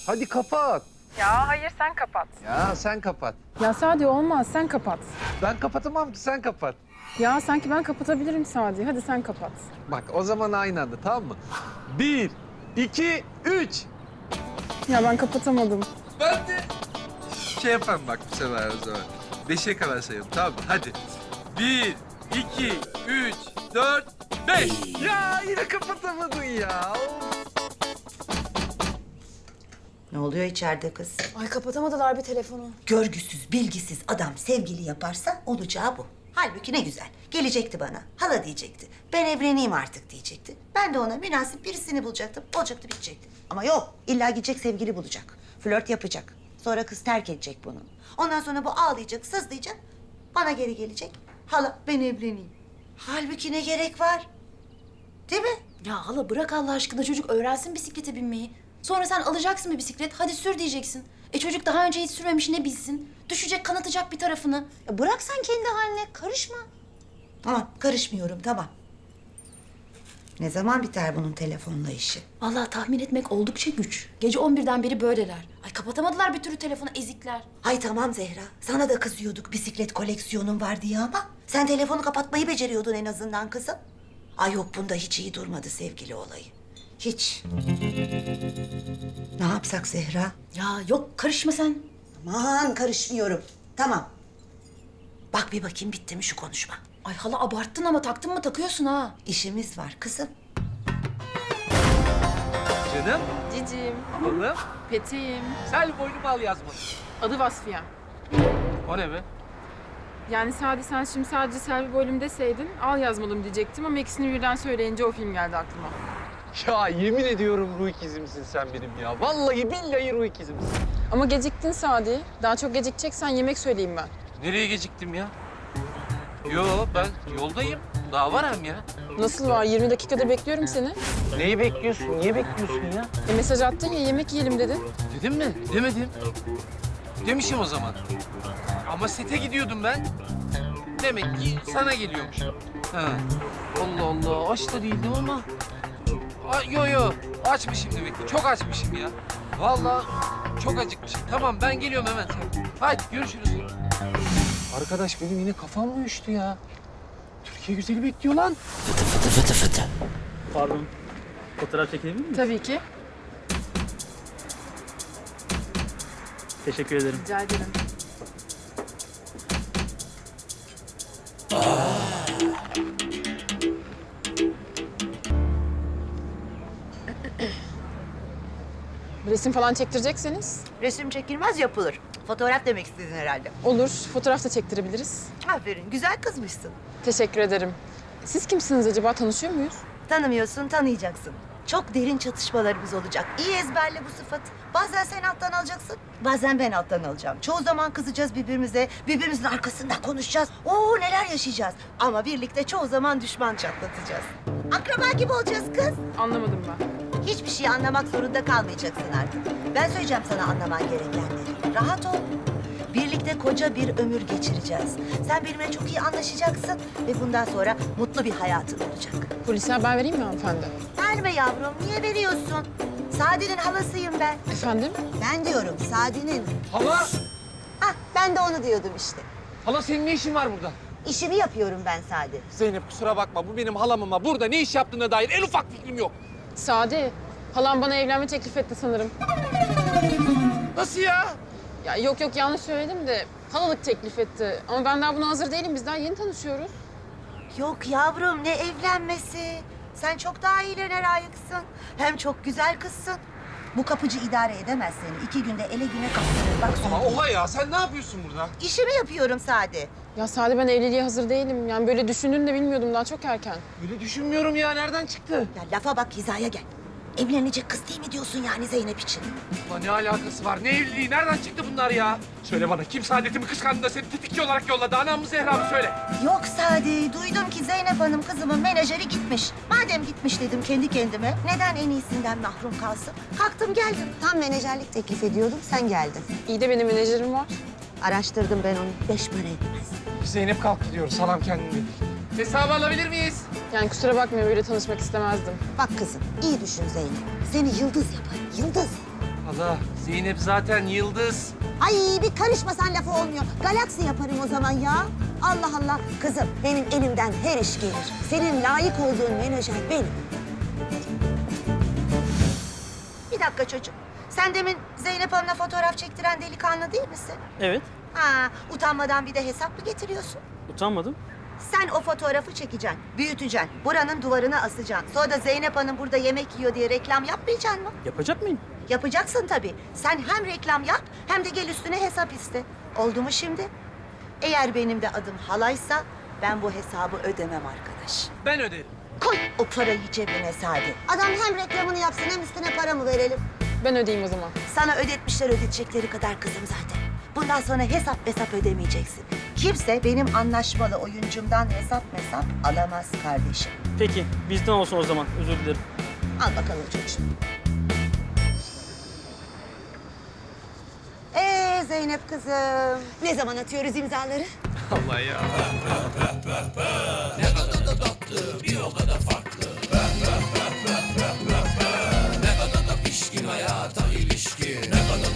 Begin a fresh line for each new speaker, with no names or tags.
Hadi kapat.
Ya hayır sen kapat.
Ya sen kapat.
Ya Sadi olmaz sen kapat.
Ben kapatamam ki, sen kapat.
Ya sanki ben kapatabilirim Sadi. Hadi sen kapat.
Bak o zaman aynı anda, tamam mı? 1, 2, 3.
Ya ben kapatamadım.
Ben de şey yaparım bak bu sefer o zaman. 5'e kadar sayalım, tamam mı? Hadi. 1, 2, 3, 4, 5.
Ya yine kapatamadın ya.
Ne oluyor içeride kız?
Ay kapatamadılar bir telefonu.
Görgüsüz, bilgisiz adam sevgili yaparsa olacağı bu. Halbuki ne güzel. Gelecekti bana. Hala diyecekti. Ben evleneyim artık diyecekti. Ben de ona münasip birisini bulacaktım. Olacaktı, bitecekti. Ama yok. İlla gidecek sevgili bulacak. Flört yapacak. Sonra kız terk edecek bunu. Ondan sonra bu ağlayacak, sızlayacak. Bana geri gelecek. Hala ben evleneyim. Halbuki ne gerek var? Değil mi?
Ya hala bırak Allah aşkına çocuk öğrensin bisiklete binmeyi. Sonra sen alacaksın bir bisiklet, hadi sür diyeceksin. Çocuk daha önce hiç sürmemiş, ne bilsin? Düşecek, kanatacak bir tarafını.
Bırak sen kendi haline, karışma. Tamam, karışmıyorum, tamam. Ne zaman biter bunun telefonla işi?
Vallahi tahmin etmek oldukça güç. Gece 11'den beri böyleler. Ay kapatamadılar bir türlü telefonu, ezikler.
Ay tamam Zehra, sana da kızıyorduk bisiklet koleksiyonun var diye ama... ...sen telefonu kapatmayı beceriyordun en azından kızım. Ay yok, bunda hiç iyi durmadı sevgili olayı. Hiç. Ne yapsak Zehra?
Ya yok, karışma sen.
Aman karışmıyorum. Tamam. Bak bir bakayım bitti mi şu konuşma?
Ay hala abarttın ama taktın mı takıyorsun ha.
İşimiz var kızım.
Canım,
Cicim,
oğlum.
peteğim.
Sel boynumu al yazmadı.
Adı Vasfiye.
O ne be?
Yani Sadi sen şimdi sadece Selvi bölüm deseydin al yazmadım diyecektim ama ikisini birden söyleyince o film geldi aklıma.
Ya yemin ediyorum ruh ikizimsin sen benim ya. Vallahi billahi ruh ikizimsin.
Ama geciktin Sadi. Daha çok gecikeceksen yemek söyleyeyim ben.
Nereye geciktim ya? Yo, ben yoldayım. Daha var hem ya.
Nasıl var? 20 dakikada bekliyorum seni.
Neyi bekliyorsun? Niye bekliyorsun ya?
Mesaj attın ya yemek yiyelim dedin.
Dedim mi? Demedim. Demişim o zaman. Ama sete gidiyordum ben. Demek ki sana geliyormuş. Ha. Allah Allah, aç da değildim ama. Yo, açmışım demek ki. Çok açmışım ya. Vallahi çok acıkmışım. Tamam, ben geliyorum hemen. Hadi görüşürüz.
Arkadaş benim yine kafam mı uyuştu ya? Türkiye güzeli bekliyor lan.
Pardon. Fotoğraf çekebilir miyim?
Tabii ki.
Teşekkür ederim.
Rica ederim. Resim falan çektirecekseniz
Resim çekilmez, yapılır. Fotoğraf demek istedin herhalde.
olur. Fotoğraf da çektirebiliriz.
Aferin, güzel kızmışsın.
Teşekkür ederim. Siz kimsiniz acaba? Tanışıyor muyuz?
Tanımıyorsun, tanıyacaksın. Çok derin çatışmalarımız olacak. İyi ezberle bu sıfatı. Bazen sen alttan alacaksın, bazen ben alttan alacağım. Çoğu zaman kızacağız birbirimize, birbirimizin arkasından konuşacağız. Oo neler yaşayacağız. Ama birlikte çoğu zaman düşman çatlatacağız. Akraba gibi olacağız kız.
Anlamadım ben.
Hiçbir şey anlamak zorunda kalmayacaksın artık. Ben söyleyeceğim sana anlaman gerekenleri. Rahat ol. Birlikte koca bir ömür geçireceğiz. Sen benimle çok iyi anlaşacaksın ve bundan sonra mutlu bir hayatın olacak.
Polise haber vereyim mi hanımefendi?
Verme yavrum, niye veriyorsun? Sadi'nin halasıyım ben.
Efendim?
Ben diyorum Sadi'nin.
Hala!
Hah, ben de onu diyordum işte.
Hala senin ne işin var burada?
İşimi yapıyorum ben Sadi.
Zeynep kusura bakma, bu benim halam ama burada ne iş yaptığına dair en ufak fikrim yok.
Sadi, halam bana evlenme teklif etti sanırım.
Nasıl ya?
Ya yok yanlış söyledim de halalık teklif etti. Ama ben daha buna hazır değilim. Biz daha yeni tanışıyoruz.
Yok yavrum, ne evlenmesi? Sen çok daha iyilerine layıksın. Hem çok güzel kızsın. Bu kapıcı idare edemez seni. 2 günde ele güne kaptırır. Bak
Ama
söyleyeyim.
oha ya, sen ne yapıyorsun burada?
İşimi yapıyorum Sadi.
Ya Sadi ben evliliğe hazır değilim. Yani böyle düşündüğünü de bilmiyordum. Daha çok erken.
Öyle düşünmüyorum ya, nereden çıktı?
Ya lafa bak, hizaya gel. Evlenecek kız değil mi diyorsun yani Zeynep için?
Ulan ne alakası var? Ne evliliği? Nereden çıktı bunlar ya? Söyle bana, kim saadetimi kıskandı da seni tetikçi olarak yolladı? Anam mı Zehra mı söyle?
Yok Sadi, duydum ki Zeynep Hanım kızımın menajeri gitmiş. Madem gitmiş dedim kendi kendime, neden en iyisinden mahrum kalsın? Kalktım geldim. Tam menajerlik teklif ediyordum, sen geldin.
İyi de benim menajerim var.
Araştırdım ben onu, 5 para etmez.
Zeynep kalk gidiyoruz, salam kendini.
Hesabı alabilir miyiz?
Yani kusura bakmayın böyle tanışmak istemezdim.
Bak kızım, iyi düşün Zeynep. Seni yıldız yapar, yıldız.
Hala Zeynep zaten yıldız.
Ay bir karışmasan lafı olmuyor. Galaksi yaparım o zaman ya. Allah Allah. Kızım benim elimden her iş gelir. Senin layık olduğun menajer benim. Bir dakika çocuk. Sen demin Zeynep Hanım'la fotoğraf çektiren delikanlı değil misin?
Evet.
Ha, utanmadan bir de hesap mı getiriyorsun?
Utanmadım.
Sen o fotoğrafı çekeceksin, büyüteceksin, buranın duvarına asacaksın. Sonra da Zeynep Hanım burada yemek yiyor diye reklam yapmayacaksın mı?
Yapacak mıyım?
Yapacaksın tabii. Sen hem reklam yap hem de gel üstüne hesap iste. Oldu mu şimdi? Eğer benim de adım halaysa ben bu hesabı ödemem arkadaş.
Ben öderim.
Koy o parayı cebine Sadi. Adam hem reklamını yapsın hem üstüne para mı verelim?
Ben ödeyeyim o zaman.
Sana ödetmişler ödetecekleri kadar kızım zaten. Bundan sonra hesap ödemeyeceksin. Kimse benim anlaşmalı oyuncumdan hesap alamaz kardeşim.
Peki, bizden olsun o zaman. Özür dilerim.
Al bakalım çocuğum. Zeynep kızım. Ne zaman atıyoruz imzaları?
Allah ya.